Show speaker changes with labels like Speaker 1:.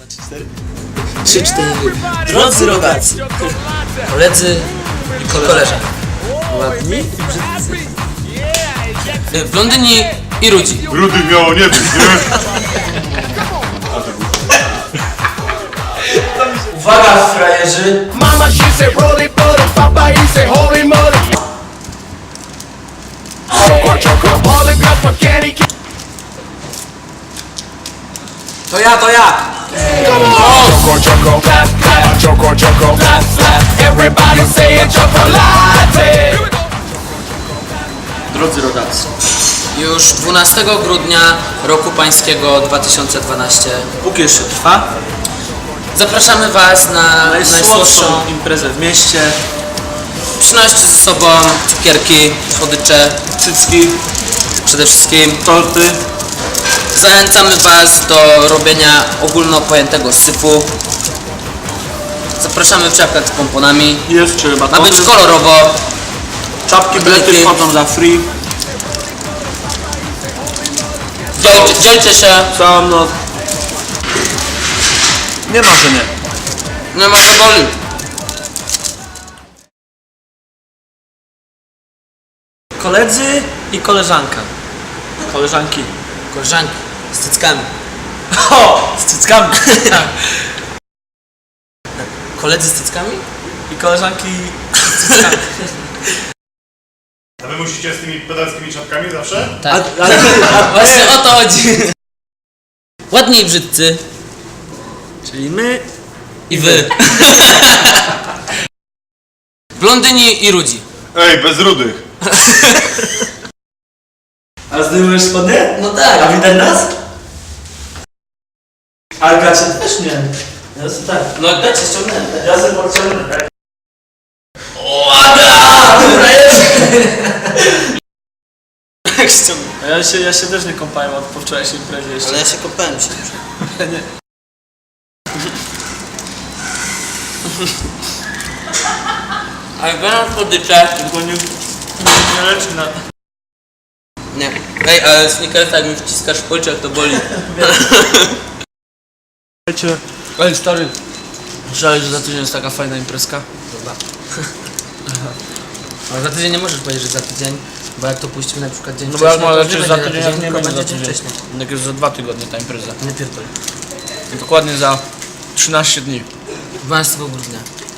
Speaker 1: 3, 4. Drodzy rodacy, koledzy i koleżanki, ładni i brzydcy, blondyni i rudzi.
Speaker 2: Rudych miało nie być, nie?
Speaker 1: Uwaga, frajerzy!
Speaker 3: Mama, she said, roll it, butter. Papa, he said, holy mother. Choco, polyglot, spaghetti.
Speaker 1: To ja!
Speaker 3: Choco, clap, clap. Choco, clap, clap. Everybody say it, chocolate.
Speaker 1: Drodzy rodacy, już 12 grudnia roku pańskiego 2012
Speaker 4: Póki jeszcze trwa,
Speaker 1: zapraszamy Was na najsłodszą.
Speaker 4: najsłodszą imprezę w mieście.
Speaker 1: Przynoście ze sobą cukierki, słodycze,
Speaker 4: Cycki,
Speaker 1: przede wszystkim.
Speaker 4: torty.
Speaker 1: Zachęcamy Was do robienia ogólnopojętego syfu. Zapraszamy w czapkach z pomponami.
Speaker 4: Jest czy
Speaker 1: Ma
Speaker 4: batony.
Speaker 1: być kolorowo.
Speaker 4: Czapki, bilety
Speaker 1: Lepiej.
Speaker 4: wchodzą za free.
Speaker 1: Dzielcie się.
Speaker 4: Całą noc. Nie ma, że nie.
Speaker 1: Nie ma co boli.
Speaker 4: Koledzy i koleżanka. Koleżanki.
Speaker 1: Koleżanki z cyckami.
Speaker 4: O! Z cyckami.
Speaker 1: Koledzy z cyckami?
Speaker 4: I koleżanki z cyckami.
Speaker 2: A wy musicie z tymi pedalskimi czapkami zawsze?
Speaker 1: Tak. Właśnie o to chodzi. Ładni i brzydcy.
Speaker 4: Czyli my.
Speaker 1: I wy. Blondyni i rudzi.
Speaker 2: Ej, bez rudych.
Speaker 4: A zdejmujesz spodnie?
Speaker 1: No tak.
Speaker 4: A widać nas? Ale gacie też nie. Ja sobie tak.
Speaker 1: No dajcie ściągnąłem.
Speaker 4: Ja sobie podciągnę tak.
Speaker 1: Jak ściągnę.
Speaker 4: A ja się też nie kąpałem od po wczorajszej imprezie jeszcze.
Speaker 1: Ale ja się kopałem się.
Speaker 4: Nie.
Speaker 1: Ale biorąc słodycze.
Speaker 4: Tylko nie leczy na...
Speaker 1: Nie. Ej, ale Snickersa jak mi wciskasz w policzek, to boli.
Speaker 4: Słuchajcie. Ej, stary. Słyszałeś, że za tydzień jest taka fajna imprezka?
Speaker 1: Dobra. Ale za tydzień nie możesz powiedzieć, że za tydzień, bo jak to puścimy na przykład dzień
Speaker 4: No bo jak
Speaker 1: wcześniej,
Speaker 4: ma
Speaker 1: to
Speaker 4: lecieć
Speaker 1: nie
Speaker 4: za
Speaker 1: będzie
Speaker 4: tydzień, jak nie
Speaker 1: tylko
Speaker 4: będzie za
Speaker 1: dzień
Speaker 4: tydzień.
Speaker 1: wcześniej.
Speaker 4: Jak jest za 2 tygodnie ta impreza.
Speaker 1: Nie pierdol.
Speaker 4: Dokładnie za 13 dni.
Speaker 1: 12 grudnia.